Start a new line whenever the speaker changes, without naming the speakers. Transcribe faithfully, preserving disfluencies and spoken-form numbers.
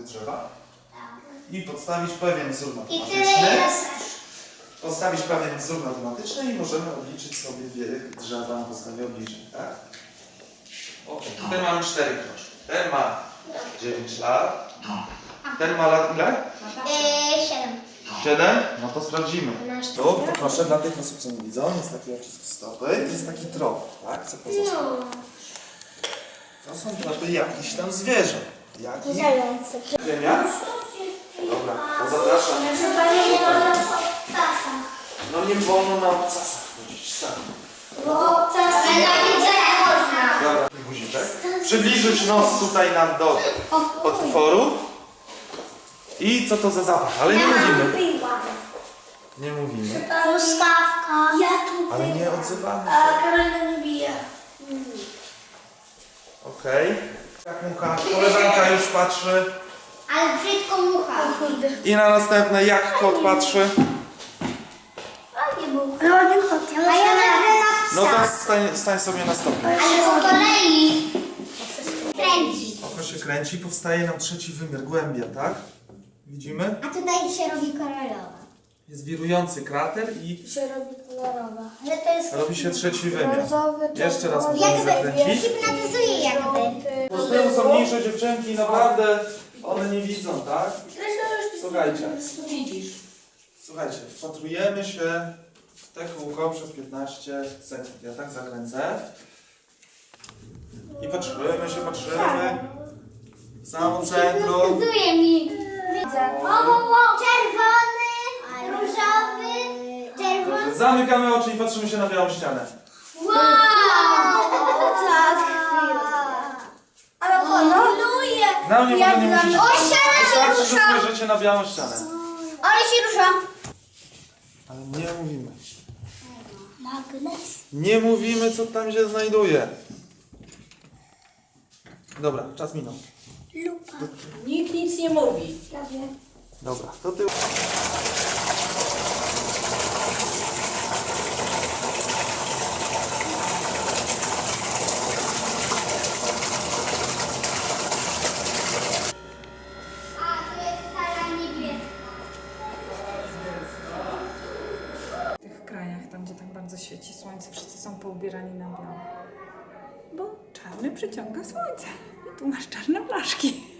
drzewa i podstawić pewien wzór
I
matematyczny.
tyle jest.
Podstawić pewien wzór matematyczny i możemy obliczyć sobie wiek drzewa na podstawie obliczeń, tak? Ok, tutaj mamy cztery kroczki. Ten ma dziewięć lat. Ten ma lat ile?
Yy, siedem.
siedem? No to sprawdzimy. Tu, to proszę, dla tych osób, co nie widzą, jest taki odcisk stopy, jest taki trop, tak? Co pozostał? To są tropy jakichś tam zwierząt. Jakich?
Zające.
Ziemia? Dobra, to zapraszam.
Chyba nie ma na obcasa.
No nie wolno na obcasach chodzić, tak.
Bo obcasy ale na widzenia można.
Dobra, guziczek. Przybliżyć nos tutaj nam do otworu. I co to za zapach? Ale nie mówimy. Nie mówimy.
Truskawka. Ja tu.
Ale nie odzywamy
A
się.
Karolina nie bije.
Okej. Jak mucha, koleżanka już patrzy.
Ale brzydko mucha.
I na następne, jak kot patrzy.
Ładnie był. Ładnie kot. A ja nagle na psa.
No to stań, stań sobie na stopniu.
Ale z kolei kręci.
Oko się kręci, powstaje nam trzeci wymiar, głębia, tak? Widzimy?
A tutaj się robi kolorowa.
Jest wirujący krater i
Się robi kolorowa. Ale to jest...
robi się trzeci wymiar.
Brązowy,
Jeszcze raz
czerwony.
możemy zakręcić.
Hipnotyzuje jakby.
Po z tyłu są mniejsze dziewczynki, naprawdę one nie widzą, tak? Słuchajcie,
Widzisz.
słuchajcie, wpatrujemy się w te kółko przez piętnaście sekund. Ja tak zakręcę. I patrzymy się, patrzymy. W samo centrum.
Hipnotyzuje mi. Widzę. O, o, o. Czerwony, różowy, czerwony.
Dobrze, zamykamy oczy i patrzymy się na białą ścianę.
Wow! Tak, ale koloruje.
Na mnie może nie musicie.
O, ściana się
Wystarczy, że
rusza.
spojrzycie na białą ścianę.
Ale się rusza.
Ale nie mówimy.
Magnes.
Nie mówimy, co tam się znajduje. Dobra, czas minął.
Lupa.
Nikt nic nie mówi.
Prawie.
Dobra, to ty.
A, to jest stara niebieska.
W tych krajach, tam gdzie tak bardzo świeci słońce, wszyscy są poubierani na biało. Bo czarny przyciąga słońce. I tu masz czarne blaszki.